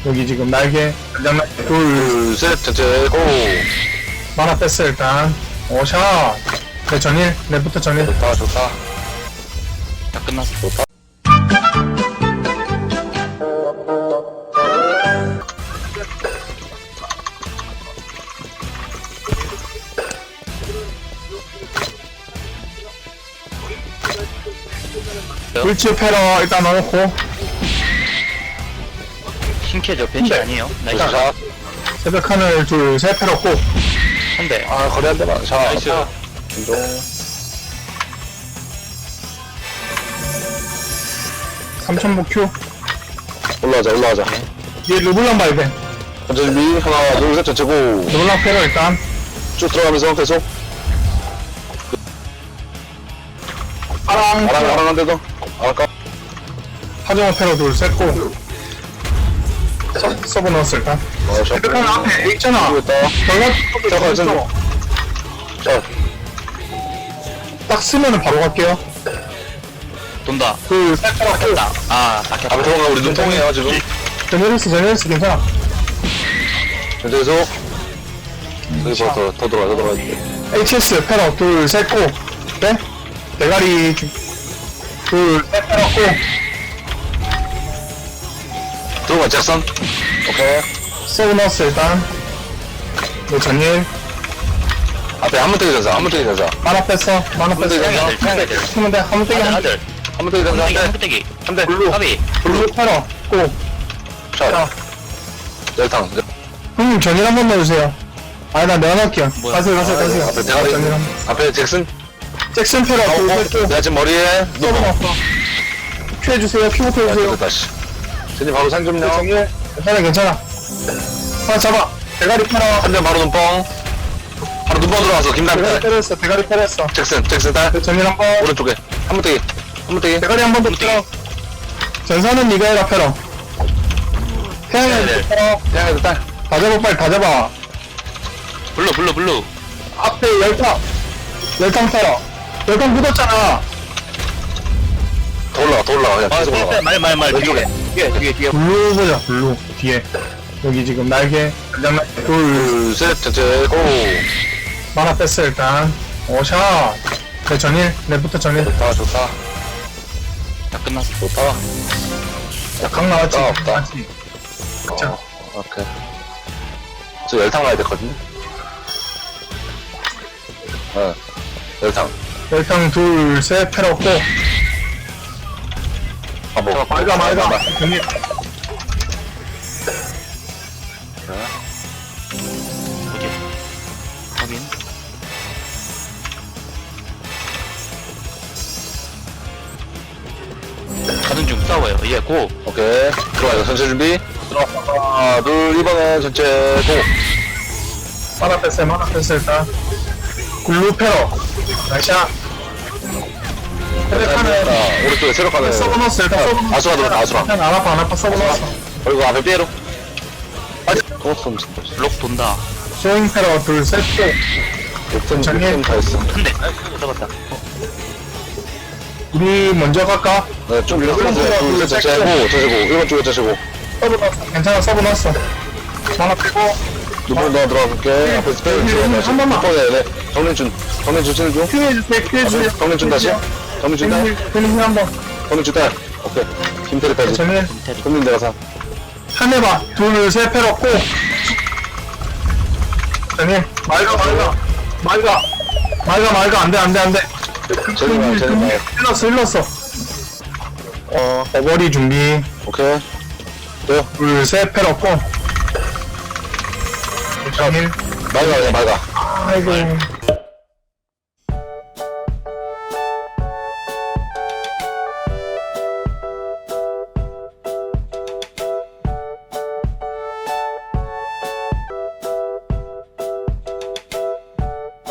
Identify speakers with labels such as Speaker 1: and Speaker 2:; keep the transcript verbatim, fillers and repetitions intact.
Speaker 1: 여기 지금 날개, 날개
Speaker 2: 둘, 셋, 전체, 고!
Speaker 1: 만화 뺐어 일단. 오샷. 네 전일, 내부터 전일.
Speaker 2: 좋다, 좋다.
Speaker 3: 다 끝났어.
Speaker 2: 좋다.
Speaker 1: 불치 패러 일단 넣어놓고.
Speaker 3: 신캐죠. 벤치
Speaker 1: 네.
Speaker 3: 아니에요. 나이스.
Speaker 2: 자,
Speaker 1: 새벽 하늘 둘, 셋 패러 고.
Speaker 3: 한 대.
Speaker 2: 아, 거리 한 대만. 자,
Speaker 3: 나이스.
Speaker 2: 운동.
Speaker 1: 삼천보 큐.
Speaker 2: 올라가자, 올라가자.
Speaker 1: 뒤에 르블랑 봐야 돼.
Speaker 2: 전체 준비. 하나, 둘, 셋, 전체, 고!
Speaker 1: 르블랑 패러 일단.
Speaker 2: 쭉 들어가면서 계속.
Speaker 1: 파랑,
Speaker 2: 아랑, 아랑 한 대 더. 아랑까.
Speaker 1: 하정우 패러 둘, 셋 고. 서, 서브 넣었어 일단.
Speaker 2: 어, 자,
Speaker 1: 새벽 하늘 앞에 있잖아.
Speaker 2: 이거 있다.
Speaker 1: 전라
Speaker 2: 잠깐, 잠깐. 자,
Speaker 1: 딱 쓰면은 바로 갈게요.
Speaker 3: 돈다.
Speaker 1: 둘, 셋 패러 고.
Speaker 3: 나. 아,
Speaker 2: 앞에
Speaker 3: 낚였다.
Speaker 2: 도망가. 우리 눈통이에요, 지금.
Speaker 1: 전일했어, 전일했어, 괜찮아.
Speaker 2: 전체 계속. 여기서 더, 더 들어가, 더 들어가.
Speaker 1: 에이치에스 패러 둘, 셋 고. 네? 대가리 주... 둘, 셋 패러 고.
Speaker 2: 들어가, 잭슨. 오케이.
Speaker 1: 서브 넣었어 일단. 네 전일.
Speaker 2: 앞에 한번 때기 전사, 한번 때기 전사.
Speaker 1: 만화 뺐어, 만화 뺐어.
Speaker 3: 태양이들, 태양이들.
Speaker 1: 한번 돼, 한번 떼기
Speaker 3: 아들,
Speaker 1: 한
Speaker 3: 아들.
Speaker 2: 한번 때기 전사, 한
Speaker 3: 한대기,
Speaker 2: 대.
Speaker 3: 한대기.
Speaker 2: 한 대.
Speaker 1: 블루.
Speaker 3: 까비.
Speaker 1: 블루 패러 고.
Speaker 2: 자,
Speaker 1: 자,
Speaker 2: 열탕.
Speaker 1: 형님 전일 한번 넣어주세요. 아니 나 내가 넣을게요.
Speaker 3: 뭐야?
Speaker 1: 가세요, 가세요, 가세요.
Speaker 2: 앞에 대가리.
Speaker 1: 전일 한 번.
Speaker 2: 앞에 잭슨.
Speaker 1: 잭슨 패러
Speaker 2: 어,
Speaker 1: 둘,
Speaker 2: 어,
Speaker 1: 셋 고.
Speaker 2: 내가 지금 머리에
Speaker 1: 서브
Speaker 2: 눈.
Speaker 1: 넣었어. 큐 해주세요, 큐부터
Speaker 2: 야,
Speaker 1: 해주세요.
Speaker 2: 됐다, 씨. 제니 바로 상 좀요.
Speaker 1: 전일. 괜찮아, 괜찮아. 하나 잡아. 대가리 패러.
Speaker 2: 한 대 바로 눈뻥. 바로 눈뻥 들어가서 김남.
Speaker 1: 대가리 패러했어, 대가리 패러했어.
Speaker 2: 잭슨, 잭슨 딸.
Speaker 1: 네, 전일 한 번.
Speaker 2: 오른쪽에. 한번 때기. 한번 때기.
Speaker 1: 대가리 한 번 더 패러. 전사는 니가 해라 패러. 태양이
Speaker 3: 네, 네.
Speaker 1: 패러.
Speaker 2: 태양에도 딸.
Speaker 1: 다 잡아, 빨리 다 잡아.
Speaker 3: 블루, 블루, 블루.
Speaker 1: 앞에 열탕. 열탕 패러. 열탕 묻었잖아.
Speaker 2: 더 올라가, 더 올라가. 그냥
Speaker 3: 아,
Speaker 2: 계속 올라가.
Speaker 3: 말, 말, 말.
Speaker 2: 왼쪽에.
Speaker 3: 뒤에, 뒤에, 뒤에.
Speaker 1: 블루 보자, 블루. 뒤에. 여기 지금 날개. 장난 둘.
Speaker 2: 둘, 셋, 전체, 고!
Speaker 1: 만화 뺐어, 일단. 오샷. 네, 전일. 내부터 전일.
Speaker 2: 좋다, 좋다.
Speaker 3: 다 끝났어.
Speaker 2: 좋다.
Speaker 1: 자, 강 나왔지?
Speaker 2: 없다, 없다.
Speaker 1: 나왔지? 자.
Speaker 2: 어, 오케이. 저 열탕 가야 되거든. 어, 열탕.
Speaker 1: 열탕 둘, 셋, 패러 없고.
Speaker 2: 아, 뭐.
Speaker 1: 말가, 말가. 전일.
Speaker 3: 어디야? 확인. 가는 중 싸워요. 예, 고.
Speaker 2: 오케이. 들어가요. 전체 준비. 들어가. 하나, 둘, 이번엔 전체, 고!
Speaker 1: 만화 뺐어요, 만화 뺐어, 일단. 블루 패러. 나이샤.
Speaker 2: 자,
Speaker 1: 하늘.
Speaker 2: 오른쪽에 새로 가네.
Speaker 1: 서브 넣었어, 일단 서브 넣었어.
Speaker 2: 아수라 들어가, 아수라.
Speaker 1: 일단 안 아파, 안 아파, 서브 넣었어.
Speaker 2: 그리고 앞에 삐에로. 아직. 또 손, 진짜.
Speaker 3: 록 돈다.
Speaker 1: 스윙 패러 둘, 셋, 고.
Speaker 2: 육팀,
Speaker 1: 전개.
Speaker 2: 육팀 다 있어.
Speaker 3: 한 대. 잡았다.
Speaker 1: 우리 먼저 갈까?
Speaker 2: 네, 좀 밀었어.
Speaker 1: 일번
Speaker 2: 둘,
Speaker 1: 들어가,
Speaker 2: 셋, 전체,
Speaker 1: 둘,
Speaker 2: 고! 전체, 고! 일번 쪽에 전체, 고!
Speaker 1: 서브 넣었어. 괜찮아, 서브 넣었어. 하나 빼고.
Speaker 2: 두번 더 들어갈게. 앞에 스페인
Speaker 1: 음,
Speaker 2: 중
Speaker 1: 음,
Speaker 2: 다시.
Speaker 1: 한 번만.
Speaker 2: 네, 네. 정민준. 정민준 치는 중.
Speaker 1: 큐해주세요, 큐해주세요.
Speaker 2: 정민준 다시. 정민준 딸.
Speaker 1: 되는 한 번.
Speaker 2: 정민준 딸. 오케이. 김태리 따지.
Speaker 1: 전일.
Speaker 2: 금민 내가 사.
Speaker 1: 한 해봐. 둘, 셋, 패러 고. 전일. 말가, 말가. 말가. 말가, 말가. 안 돼, 안 돼, 안 돼.
Speaker 2: 제리만, 제리만.
Speaker 1: 일렀어, 일렀어. 어, 어버리 준비.
Speaker 2: 오케이. 돼요.
Speaker 1: 둘, 셋, 패러 고. 전일.
Speaker 2: 말가, 그냥 말가.
Speaker 1: 아이고.